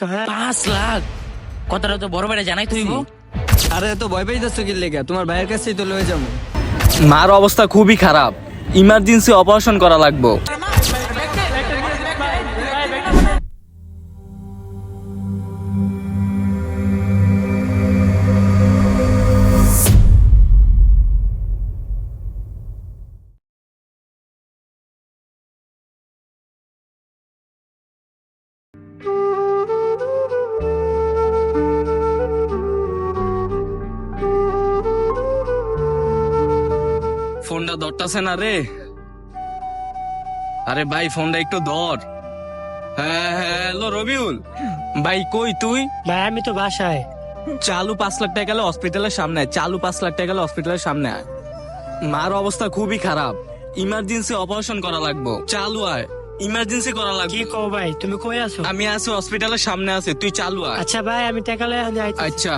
হ্যাঁ 5 লাখ কথাটা তো বড় বেড়ে জানাই তুই আরে তো ভয় পাইতেছ কি লেগে? তোমার ভাইয়ের কাছেই তো লয়ে যাবো। মার অবস্থা খুবই খারাপ, ইমার্জেন্সি অপারেশন করা লাগবে। ফোনটা ধরতাছে না রে। আরে ভাই ফোনটা একটু ধর। হ্যাঁ হ্যালো রবিউল ভাই, কই তুই? ভাই আমি তো বাসায়। চালু 5 লাখ টাকা গেলে হসপিটালের সামনে আয়। চালু 5 লাখ টাকা গেলে হসপিটালের সামনে আয়। মার অবস্থা খুবই খারাপ, ইমার্জেন্সি অপারেশন করা লাগবে। চালু আয়, ইমার্জেন্সি করা কি লাগবে। কও ভাই, তুমি কই আছো? আমি আছি হসপিটালের সামনে আছি, তুই চালু আয়। আচ্ছা ভাই আমি টাকা লয়ে আইতেছি। আচ্ছা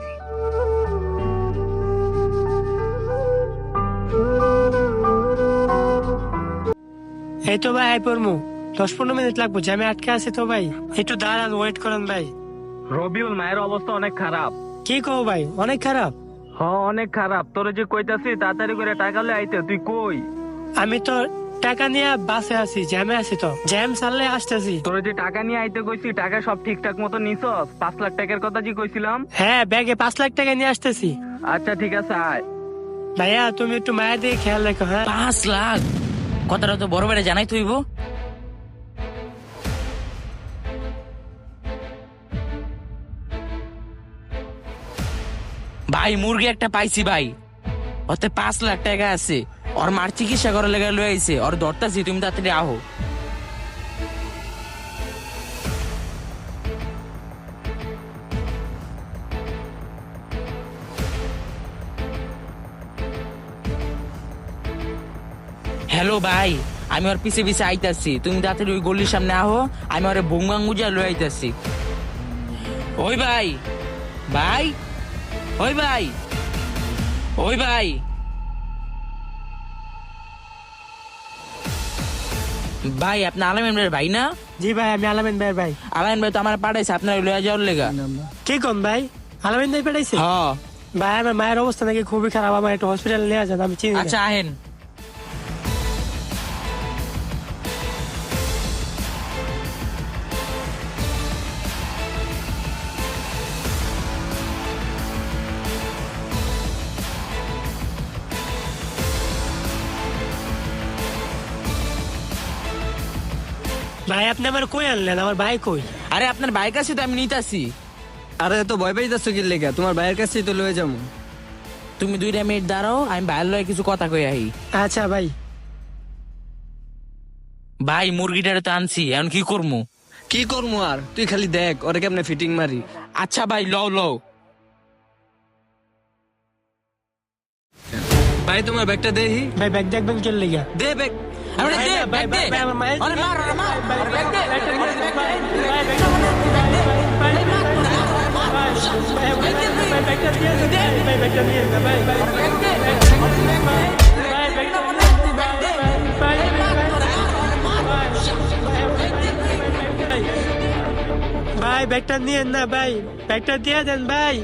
এই তো ভাই আই পড়মু, 10-15 মিনিট লাগবে, জ্যামে আটকে আছি তো ভাই, একটু দাঁড়ান, ওয়েট করেন ভাই। রবিউল, মায়ের অবস্থা অনেক খারাপ। কি কও ভাই, অনেক খারাপ? হ্যাঁ অনেক খারাপ। তোরে যে কইতাছি তাড়াতাড়ি করে টাকা লয়ে আইতে, তুই কই? আমি তো টাকা নিয়ে বাসে আছি, জ্যামে আছি, তো জ্যাম ছাড়লে আসতেছি। তোরে যে টাকা নিয়ে আইতে কইছি, টাকা সব ঠিকঠাক মতো নিছস? 5 লাখ টাকার কথা যে কইছিলাম। হ্যাঁ ব্যাগে 5 লাখ টাকা নিয়ে আসতেছি। আচ্ছা ঠিক আছে আয়। ভাইয়া তুমি একটু মায়ের দিকে খেয়াল রেখো। হ্যাঁ 5 লাখ কথাটা তো বড় বেড়ে জানাই তুই ভাই মুরগি একটা পাইছি ভাই, ওতে 5 লাখ টাকা আছে। ওর মার চিকিৎসা করার লেগে লয়ে আইছে, ওর ধরতাছি, তুমি তাড়াতাড়ি আহো। হ্যালো ভাই, আমি ওর পিছে পিছে আইতাছি, তুমি তাড়াতাড়ি ওই গলির সামনে আহো, আমি ওরে বঙ্গাঙ্গুজা লয়ে আইতাছি। ওই ভাই, ভাই, ওই ভাই, ওই ভাই, ভাই আপনি আলামিন ভাইয়ের ভাই না? জি ভাই আমি আলামিন ভাইয়ের ভাই। আলামিন ভাই তো আমার পাঠাইছে আপনার লয়ে যাওয়ার লেগা। কি কোন ভাই, আলামিন ভাই পাঠাইছে? হ্যাঁ ভাই আমার মায়ের অবস্থা নাকি খুবই খারাপ, আমার একটু হসপিটালে নিয়ে যান, আমি চিনি না। আচ্ছা আহেন। ভাই আপনি আমার কই আনলেন, আমার ভাই কই? আরে আপনার বাইক আছে তো, আমি নিতাছি। আরে তো ভয় পাইতেছ কি লেগে? তোমার ভাইয়ের কাছেই তো লয়ে যাবো। তুমি 2 মিনিট দাঁড়াও, আমি বাইরের লয়ে কিছু কথা কই আহি। আচ্ছা ভাই। ভাই মুরগিটারে তো আনছি, এখন কি করবো? কি করবো আর, তুই খালি দেখ ওরে কেমনে ফিটিং মারি। আচ্ছা ভাই লও লও। ভাই তোমার ব্যাগটা দেখি। ভাই ব্যাগ দেখবেন কেন লেগা? দে ব্যাগ। আরে ভাই, দে, ভাই, ব্যাগ দে। ভাই, আমার মায়ের- আরে মার, আরে মার, আরে ব্যাগ দে। ভাই ব্যাগটা নিয়েন না ভাই, ব্যাগটা দিয়ে দেন ভাই।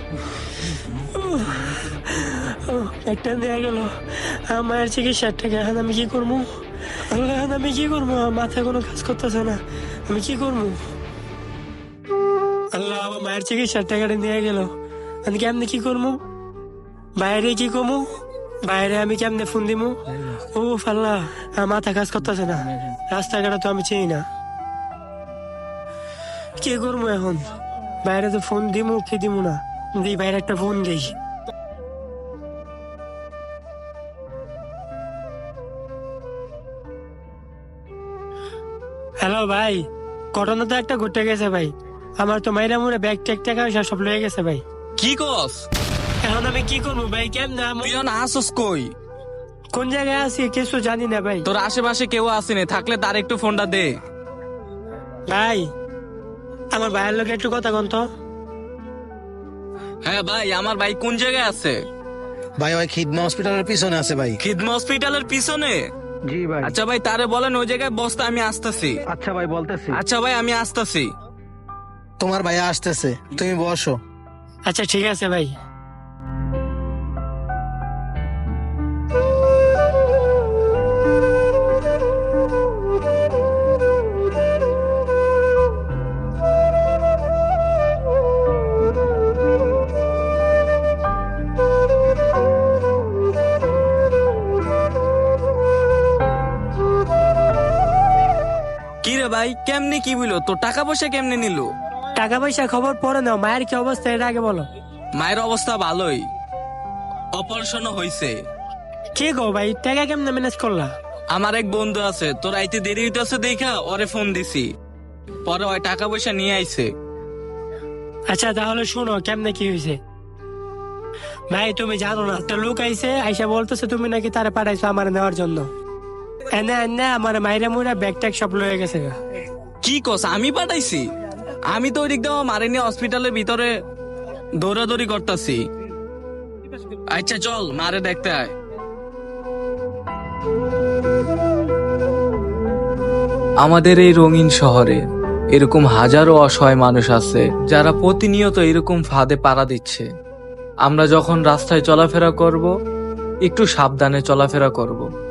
ব্যাগটা নিয়ে গেল, আমার চিকিৎসার টাকা, এখন আমি কি করবো? এখন আমি কি করবো? আমার মাথায় কোনো কাজ করতেছে না, আমি কি করবো? আল্লাহ আমার মায়ের চিকিৎসার টাকাটা নিয়ে গেল, আমি কেমনে কি করবো? বাইরে কি কমু? বাইরে আমি কেমনে ফোন দিমু? ও ফাল্লা, আমার মাথা কাজ করতেছে না, রাস্তাঘাটে তো আমি চিনি না, কি করবো এখন? বাইরে তো ফোন দিমু কি দিমু না, দিই বাইরে একটা ফোন দিই। হ্যালো ভাই, ঘটনা তো একটা ঘটে গেছে ভাই, আমার তো মাইরা মুড়ে ব্যাগ ট্যাগ টাকা পয়সা সব লয়ে গেছে ভাই। কি কস? এখন আমি কি করবো ভাই, কেমনে তুই এখন আসস কই? কোন জায়গায় আছি কিছু জানি না ভাই। তোর আশেপাশে কেউ আসেনি, থাকলে তার একটু ফোনটা দে। ভাই আমার ভাইয়ের লোক একটু কথা কন তো। হ্যাঁ ভাই, আমার ভাই কোন জায়গায় আছে? ভাই ওই খিদমা হসপিটালের পিছনে আছে ভাই। খিদমা হসপিটালের পিছনে? জি ভাই। আচ্ছা ভাই তারে বলেন ওই জায়গায় বসতে, আমি আসতেছি। আচ্ছা ভাই বলতেছি। আচ্ছা ভাই আমি আসতেছি। তোমার ভাইয়া আসতেছে, তুমি বসো। আচ্ছা ঠিক আছে ভাই। কি রে ভাই, কেমনে কি বললো? তোর টাকা পয়সা কেমনে নিল? টাকা পয়সা খবর পরে নাও, মায়ের কি অবস্থা এটা আগে বলো। মায়ের অবস্থা ভালোই, অপারেশনও হয়েছে। কি গো ভাই, টাকা কেমনে ম্যানেজ করলা? আমার এক বন্ধু আছে, তোর আইতে দেরি হইতেছে দেখা ওরে ফোন দিছি, পরে ওই টাকা পয়সা নিয়ে আইছে। আচ্ছা তাহলে শুনো কেমনে কি হয়েছে। ভাই তুমি জানো না, একটা লোক আইছে, আইসা বলতেছে তুমি নাকি তারে পাঠাইছো আমার নেওয়ার জন্য। এনে এনে আমার মাইরা মুইরা ব্যাগ ট্যাগ সব লয়ে গেছে গা। কি কস, আমি পাঠাইছি? আমি তো ওই দিক দিয়ে মারে নিয়ে হসপিটালের ভিতরে দৌড়াদৌড়ি করতেছি। আচ্ছা চল মারে দেখতে আয়। আমাদের এই রঙিন শহরে এরকম হাজারো অসহায় মানুষ আছে যারা প্রতিনিয়ত এরকম ফাঁদে পাড়া দিচ্ছে। আমরা যখন রাস্তায় চলাফেরা করব, একটু সাবধানে চলাফেরা করব।